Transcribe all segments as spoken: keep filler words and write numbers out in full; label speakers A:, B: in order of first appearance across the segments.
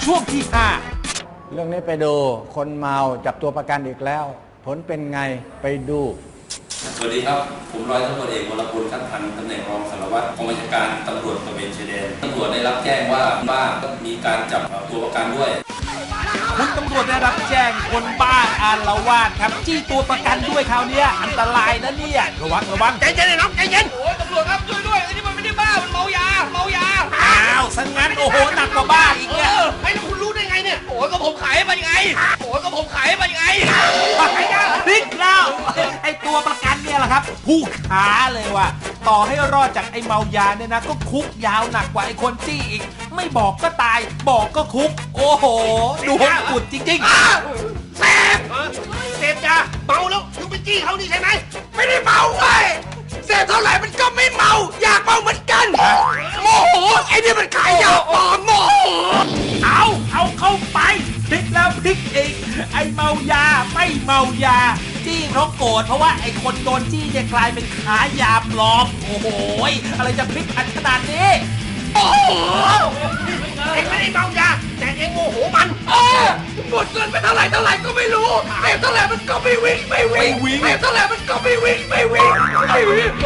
A: ช่วงที่ห้า
B: เรื่องนี้ไปดูคนเมาจับตัวประกันอีกแล้วผลเป็นไงไปดู
C: สวัสดีครับผมร้อยตำรวจเอกวรพลคัดพันตำแหน่งรองสารวัตรกองบัญชาการตำรวจตระเวนชายแดนตำรวจได้รับแจ้งว่าบ้านมีการจับตัวประกันด้วย
A: คุณตำรวจได้รับแจ้งคนบ้าอาละวาดครับจี้ตัวประกันด้วยคราวนี้อันตรายนะเนี่ยระวังระวัง
D: ใจเย็นเลยน้องใจเย็นโอ้ยตำรวจครับช่วยด้วยไอ้นี่มันไม่ได้บ้ามันเมายาเมายา
A: อ้าวสังงั้นโอ้โหหนักกว่าบ้าอีกเนี่ย
D: ไอ้แล้วคุณรู้ได้ไงเนี่ยโอ้ยก็ผมขายมันไงโอ้ยก็ผมขายมันไง
A: พลิกแล้วไอ้ตัวประกันเนี่ยแหละครับผู้ขาเลยว่ะต่อให้รอดจากไอ้เมายาเนี่ยนะก็คุกยาวหนักกว่าไอ้คนจี้อีกไม่บอกก็ตายบอกก็คุกโอ้โหดูหดอุดจริง
D: ๆเสพเสพยาเมาแล้วคุณไปจี้เขานี่ใช่ไหมไม่ได้เมาเว้ยเสพเท่าไหร่มันก็ไม่เมาอยากเมาเหมือนกันโมโหไอ้นี่มันขายยาปลอมโมโห
A: เอาเอาเข้าไปพลิกแล้วพลิกอีกไอ้เมายาไม่เมายาจี้เพราะโกรธเพราะว่าไอ้คนโดนจี้เนี่ยกลายเป็นขายาปลอมโอ้โหอะไรจะพลิกอันขนาดนี้
D: โอ้โหเองไม่ได้เมายาแต่เองโมโหมันเออหมดเงินไปเท่าไหร่เท่าไหร่ก็ไม่รู้เสพเท่าไหร่มันก็ไม่วิ่งไม่วิ่งเสพเท่าไหร่มันก็ไม่วิ่งไม่วิ่งไม่วิ่ง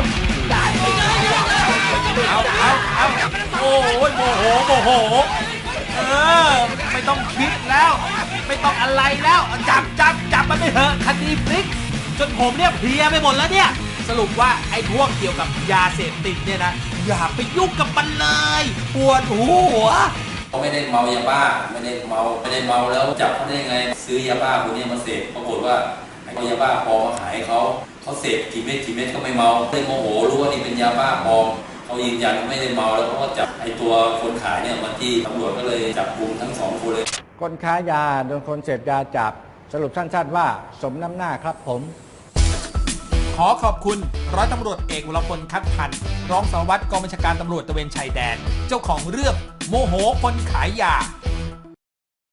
A: เอาเอาเอาโอ้โหโมโหโมโหเออไม่ต้องคิดแล้วไม่ต้องอะไรแล้วจับจับจับมันไปเถอะคดีพลิกจนผมเนี่ยเพลียไปหมดแล้วเนี่ยสรุปว่าไอ้พวกเกี่ยวกับยาเสพติดเนี่ยนะอย่าไปยุ่งกับมันเลยปวดหัว
C: เขาไม่ได้เมายาบ้าไม่ได้เมาไม่ได้เมาแล้วจับเขาได้ยังไงซื้อยาบ้าคนนี้มาเสพปรากฏว่าเอายาบ้าปลอมมาขายเขาเขาเสพกี่เม็ดกี่เม็ดก็ไม่เมาเลยโมโหรู้ว่านี่เป็นยาบ้าปลอมเขายืนยันไม่ได้เมาแล้วเขาก็จับไอ้ตัวคนขายเนี่ยมาที่ตำรวจก็เลยจับกุมทั้งสองคนเลย
B: คนค้ายาโดนคนเสพยาจับสรุปสั้นๆว่าสมน้ำหน้าครับผม
A: ขอขอบคุณร้อยตำรวจเอกวรพลคัดพันรองสารวัตรกองบัญชาการตำรวจตระเวนชายแดนเจ้าของเรื่องโมโหคนขายยา